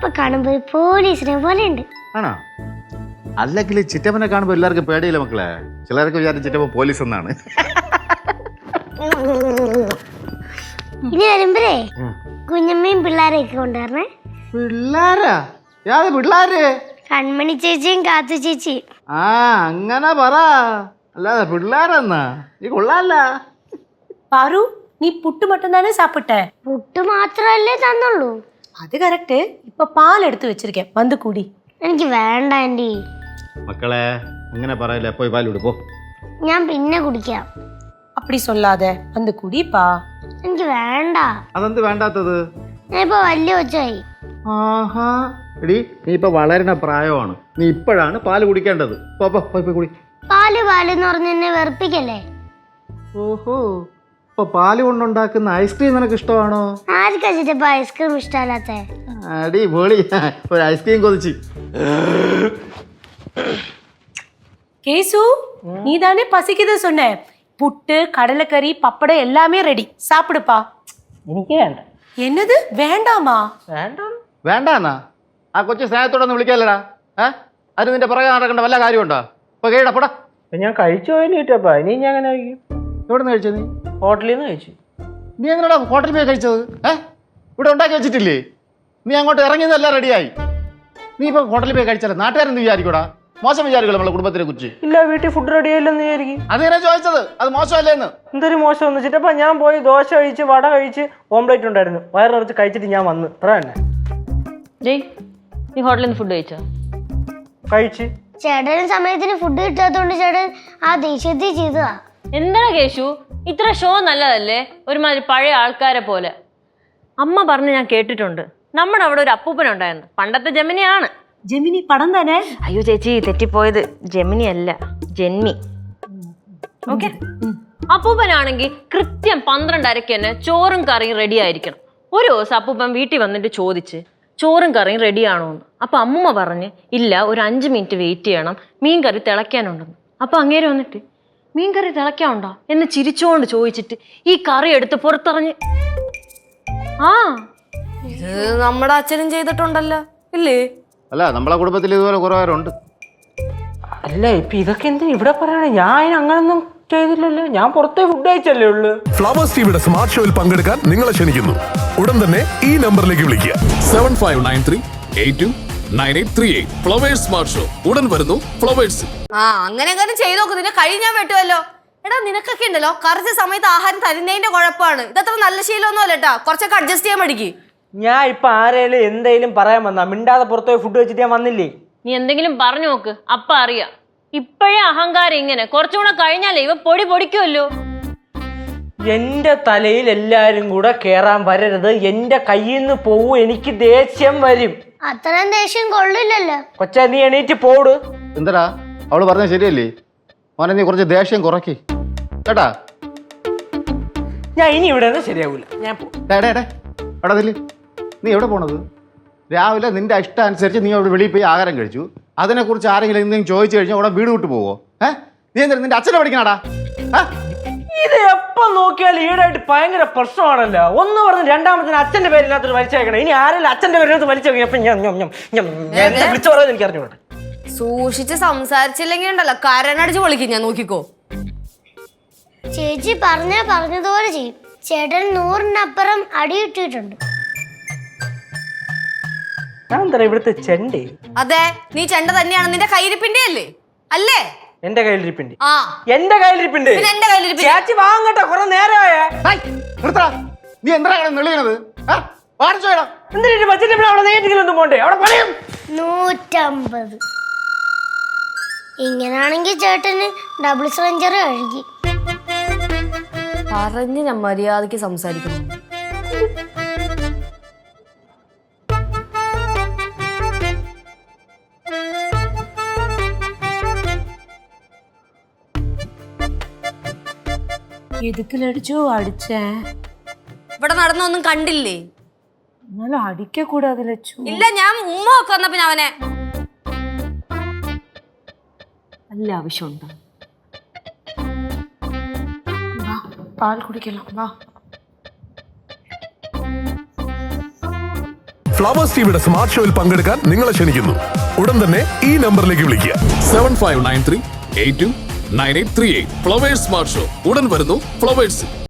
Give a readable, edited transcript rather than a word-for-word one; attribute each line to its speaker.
Speaker 1: ഇപ്പൊ കാണുമ്പോ പോലീസിനെ പോലെ ഉണ്ട്.
Speaker 2: ആണോ? അല്ലെങ്കിൽ ചിറ്റപ്പനെ കാണുമ്പോ എല്ലാവർക്കും പേടിയില്ല മക്കളെ. ചിലർക്ക് വിചാരിച്ച ചിറ്റപ്പൻ പോലീസ് എന്നാണ്.
Speaker 1: ഇനി വരുമ്പോഴേ കുഞ്ഞമ്മയും പിള്ളേരെയൊക്കെ കൊണ്ടുവരണേ.
Speaker 2: പിള്ളേരാ? യാത് പിള്ളേര്?
Speaker 1: കൺമണി ചേച്ചിയും കാത്തു ചേച്ചിയും.
Speaker 2: ആ അങ്ങനെ പറ, അല്ലാതെ പിള്ളേരെന്നാ? നീ കൊള്ളാല്ല.
Speaker 3: பாரு நீ புட்டு மட்டும் தானே சாப்பிட்ட?
Speaker 1: പുട്ട് മാത്രല്ലേ തന്നുള്ളൂ.
Speaker 3: அது கரெக்ட். இப்ப பால் எடுத்து வச்சிருக்கேன், வந்து குடி.
Speaker 1: എനിക്ക് വേണ്ട ആന്റി.
Speaker 2: മക്കളെ അങ്ങനെ പറയില്ല, പോയി പാൽ വിടുപ്പോ.
Speaker 1: ഞാൻ പിന്നെ കുടിക്കാം.
Speaker 3: அப்படி சொல்லாத, வந்து குடிப்பா.
Speaker 1: എനിക്ക് വേണ്ട.
Speaker 2: അതെന്ത് വേണ്ടാത്തത്?
Speaker 1: ഞാൻ ഇപ്പൊ വലിയ കൊച്ചായി.
Speaker 2: ആഹാ എടി, നീ ഇപ്പൊ വളരുന്ന പ്രായമാണ്. നീ ഇപ്പോഴാണ് പാല് കുടിക്കേണ്ടത്. പോയി കുടി.
Speaker 1: പാല് പാലെന്ന് പറഞ്ഞ് എന്നെ വെറുപ്പിക്കല്ലേ.
Speaker 2: ഓഹോ, ഇപ്പൊ പാല് കൊണ്ടുണ്ടാക്കുന്ന ഐസ്ക്രീം നിനക്ക് ഇഷ്ടമാണോ?
Speaker 1: ആർക്കാ ചിറ്റപ്പ ഐസ്ക്രീം ഇഷ്ടമല്ലാത്ത?
Speaker 2: അടി പൊളി, ഒരു ഐസ്ക്രീം കൊതിച്ച്.
Speaker 3: கேசு, நீ தானே பசிக்குது சொன்ன. புட்டு, கடலைக்கறி, பப்படம் எல்லாமே ரெடி. சாப்பிடுப்பா.
Speaker 4: എനിക്ക് വേണ്ട.
Speaker 3: என்னது வேண்டாமா?
Speaker 4: വേണ്ടാന്ന്.
Speaker 2: വേണ്ടാന്നാ? ആ കൊച്ചു സ്നേഹത്തോടെ ഒന്ന് വിളിക്കാല്ലടാ. അത് നിന്റെ പുറകെ നടക്കേണ്ട വല്ല കാര്യമുണ്ടോ? ഇപ്പൊ കേടപ്പടാ.
Speaker 4: ഞാൻ കഴിച്ചു പോയിട്ടാ. ഇനി ഞാൻ അങ്ങനെ കഴിക്കും.
Speaker 2: എവിടെ നിന്ന് കഴിച്ചത് നീ?
Speaker 4: ഹോട്ടലിൽ നിന്ന് കഴിച്ചു.
Speaker 2: നീ എങ്ങനെയാ ഹോട്ടലിൽ പോയി കഴിച്ചത്? ഇവിടെ ഉണ്ടാക്കി വെച്ചിട്ടില്ലേ? നീ അങ്ങോട്ട് ഇറങ്ങിയതെല്ലാം റെഡിയായി. നീ ഇപ്പൊ ഹോട്ടലിൽ പോയി കഴിച്ചാലേ നാട്ടുകാരെന്ത് വിചാരിക്കൂടാ? മോശം വിചാരിക്കുമല്ലോ നമ്മളെ കുടുംബത്തിനെ കുറിച്ച്.
Speaker 4: ഇല്ല, വീട്ടിൽ ഫുഡ് റെഡി ആയില്ലെന്ന് വിചാരിക്കും.
Speaker 2: അതിനെ ചോദിച്ചത്, അത് മോശമല്ലേന്ന്.
Speaker 4: എന്തൊരു മോശം എന്ന് വെച്ചിട്ടപ്പ ഞാൻ പോയി ദോശ കഴിച്ച് വട കഴിച്ച് ഓംപ്ലേറ്റ് ഉണ്ടായിരുന്നു. വയറ് നിറച്ച് കഴിച്ചിട്ട് ഞാൻ വന്ന്. അത്ര തന്നെ.
Speaker 5: നീ ഹോട്ടലിൽ നിന്ന് ഫുഡ് കഴിച്ചോ?
Speaker 4: കഴിച്ച്.
Speaker 1: ചേട്ടന് സമയത്തിന് ഫുഡ് കിട്ടാത്തോണ്ട് ചേട്ടൻ ആ ദേഷ്യത്തിൽ ചെയ്തതാ.
Speaker 5: എന്താ കേശു, ഇത്ര ഷോ നല്ലതല്ലേ? ഒരുമാതിരി പഴയ ആൾക്കാരെ പോലെ. അമ്മ പറഞ്ഞ് ഞാൻ കേട്ടിട്ടുണ്ട്, നമ്മുടെ അവിടെ ഒരു അപ്പൂപ്പനുണ്ടായിരുന്നു. പണ്ടത്തെ ജമിനിയാണ്.
Speaker 3: ஜெமினி படம் தானே?
Speaker 5: അയ്യോ ചേച്ചി, തെറ്റിപ്പോയത്. ജെമിനി അല്ല, ജെന്മി. ഓക്കെ. അപ്പൂപ്പനാണെങ്കിൽ കൃത്യം 12:30 തന്നെ ചോറും കറിയും റെഡി ആയിരിക്കണം. ഒരു ദിവസം അപ്പൂപ്പൻ വീട്ടിൽ വന്നിട്ട് ചോദിച്ച് ചോറും കറിയും റെഡിയാണോ എന്ന്. അപ്പൊ അമ്മൂമ്മ പറഞ്ഞ് ഇല്ല, ഒരു 5 മിനിറ്റ് വെയിറ്റ് ചെയ്യണം, മീൻ കറി തിളയ്ക്കാനുണ്ടെന്ന്. അപ്പൊ അങ്ങേര് വന്നിട്ട് മീൻ കറി തിളയ്ക്കാനുണ്ടോ എന്ന് ചിരിച്ചോണ്ട് ചോദിച്ചിട്ട് ഈ കറി എടുത്ത് പുറത്തറിഞ്ഞ്. ആ
Speaker 6: ഇത് നമ്മുടെ അച്ഛനും ചെയ്തിട്ടുണ്ടല്ലോ ഇല്ലേ?
Speaker 2: അല്ല, നമ്മളെ കുടുംബത്തിൽ ഇതുപോലെ കുറെ പേരുണ്ട്.
Speaker 4: അല്ല, ഇപ്പൊ ഇതൊക്കെ എന്തിനാ ഇവിടെ പറയണേ? ഞാൻ അങ്ങനൊന്നും ചെയ്തില്ലല്ലോ. ഞാൻ പുറത്തെ ഫുഡ് കഴിച്ചല്ലേ ഉള്ളു.
Speaker 7: ഫ്ലവേഴ്സ് ടിവിയുടെ സ്മാർട്ട് ഷോയിൽ പങ്കെടുക്കാൻ നിങ്ങളെ ക്ഷണിക്കുന്നു. ഉടൻ തന്നെ ഈ നമ്പറിലേക്ക് വിളിക്കുക.
Speaker 8: 7593829838. ഫ്ലവേഴ്സ് സ്മാർട്ട് ഷോ ഉടൻ വരുന്നു ഫ്ലവേഴ്സ്.
Speaker 6: അങ്ങനെ ചെയ്തു നോക്ക്. നിന്നെ കഴിഞ്ഞാൽ പറ്റുമല്ലോ. എടാ, നിനക്കൊക്കെ ഉണ്ടല്ലോ കറക്റ്റ് സമയത്ത് ആഹാരം തരുന്നതിന്റെ കുഴപ്പമാണ്. ഇതത്ര നല്ല ശീലമൊന്നും അല്ല കേട്ടാ. കുറച്ചൊക്കെ അഡ്ജസ്റ്റ് ചെയ്യാൻ പഠിക്ക്.
Speaker 4: ഞാൻ ഇപ്പൊ ആരേലും എന്തേലും പറയാൻ വന്നാ മിണ്ടാതെ പുറത്തുപോയി ഫുഡ് വെച്ചിട്ട് ഞാൻ വന്നില്ലേ?
Speaker 5: നീ എന്തെങ്കിലും പറഞ്ഞു നോക്ക്, അപ്പ അറിയാം. ഇപ്പോഴേ അഹങ്കാരം ഇങ്ങനെ, കുറച്ചുകൂടെ കഴിഞ്ഞാലേ ഇവ പൊടി പൊടിക്കുമല്ലോ.
Speaker 4: എന്റെ തലയിൽ എല്ലാരും കൂടെ കേറാൻ വരരുത്. എന്റെ കയ്യിൽ നിന്ന് പോവും. എനിക്ക് ദേഷ്യം വരും.
Speaker 1: അത്രയും ദേഷ്യം കൊള്ളില്ലല്ലോ.
Speaker 4: കൊച്ചാ, നീ എണീറ്റ് പോട്.
Speaker 2: എന്തടാ അവള് പറഞ്ഞത് ശരിയല്ലേ? മോനെ, നീ കുറച്ച് ദേഷ്യം കുറയ്ക്ക് കേട്ടാ.
Speaker 4: ഞാൻ ഇനി ഇവിടെ നിന്ന് ശരിയാവൂല. ഞാൻ
Speaker 2: എടാ നില്ല്. നീ എവിടെ പോണത്? രാവിലെ നിന്റെ ഇഷ്ടം അനുസരിച്ച് നീ അവിടെ വെളിയിൽ പോയി ആഹാരം കഴിച്ചു. അതിനെക്കുറിച്ച് ആരെങ്കിലും എന്തെങ്കിലും ചോദിച്ചു കഴിഞ്ഞാൽ അവിടെ വീട് വിട്ടു പോവോ? നീ എന്താ നിന്റെ അച്ഛനെ പഠിക്കണാടാ?
Speaker 4: ഇത് എപ്പം നോക്കിയാലും ഈടായിട്ട് ഭയങ്കര പ്രശ്നമാണല്ലോ. ഒന്ന് പറഞ്ഞ് രണ്ടാമത്തിന് അച്ഛന്റെ പേരിനകത്ത് വലിച്ചേക്കണം. ഇനി ആരെങ്കിലും അച്ഛന്റെ പേരിനകത്ത് വലിച്ചേക്കണം. വിളിച്ചു പറയാൻ എനിക്ക് അറിഞ്ഞോട്ടെ.
Speaker 6: സൂക്ഷിച്ച് സംസാരിച്ചില്ലെങ്കിൽ ഉണ്ടല്ലോ കരനടിച്ച് പൊളിക്കും ഞാൻ. നോക്കിക്കോ.
Speaker 1: ചേച്ചി പറഞ്ഞതുപോലെ ചെയ്യും. ചേട്ടൻ 100-നപ്പുറം അടി ഇട്ടിട്ടുണ്ട്.
Speaker 4: ഞാൻ എന്താ ഇവിടുത്തെ ചെണ്ടേ?
Speaker 6: അതെ, നീ ചെണ്ട തന്നെയാണ്. നിന്റെ കയ്യിരിപ്പിന്റെ അല്ലേ? അല്ലേ?
Speaker 4: എന്റെ കയ്യിലിരിപ്പിണ്ട്.
Speaker 6: ആ,
Speaker 4: എന്റെ കയ്യിലിരിപ്പിണ്ട്.
Speaker 6: എന്റെ കയ്യിലിരിപ്പിണ്ട്.
Speaker 4: ചേച്ചി വാങ്ങട്ടെ, കുറെ നേരമായ.
Speaker 2: നീ എന്താ നെളിയണത്?
Speaker 4: എന്തിനാ ബജറ്റ് അവിടെ നേരിട്ടൊന്നും പോണ്ടേ? അവിടെ പണിയും
Speaker 1: 150. ഇങ്ങനാണെങ്കിൽ ചേട്ടന് ഡബിൾ സെഞ്ചറി കഴുകി.
Speaker 6: പറഞ്ഞ് ഞാൻ മര്യാദക്ക് സംസാരിക്കണം.
Speaker 3: எதுக்கு லடிச்சோ அடிச்சேன்.
Speaker 6: ഇവിടെ നടന്നൊന്നും കണ്ടില്ലേ?
Speaker 3: എന്നാലും അടിക്ക കൂടാതെ ലച്ചു.
Speaker 6: ഇല്ല, ഞാൻ ഉമ്മ ഒക്കെ വന്ന പിന്നെ അവനെ
Speaker 5: നല്ല ആവശ്യമുണ്ടോ?
Speaker 3: പാൽ കുടിക്കണം വാ.
Speaker 7: ഫ്ലവേഴ്സ് ടിവിയുടെ സ്മാർട്ട് ഷോയിൽ പങ്കെടുക്കാൻ നിങ്ങളെ ക്ഷണിക്കുന്നു. ഉടൻ തന്നെ ഈ നമ്പറിലേക്ക് വിളിക്കുക.
Speaker 8: 7593829838. ഫ്ലവേഴ്സ് സ്മാർട്ട് ഷോ ഉടൻ വരുന്നു ഫ്ലവേഴ്സ്.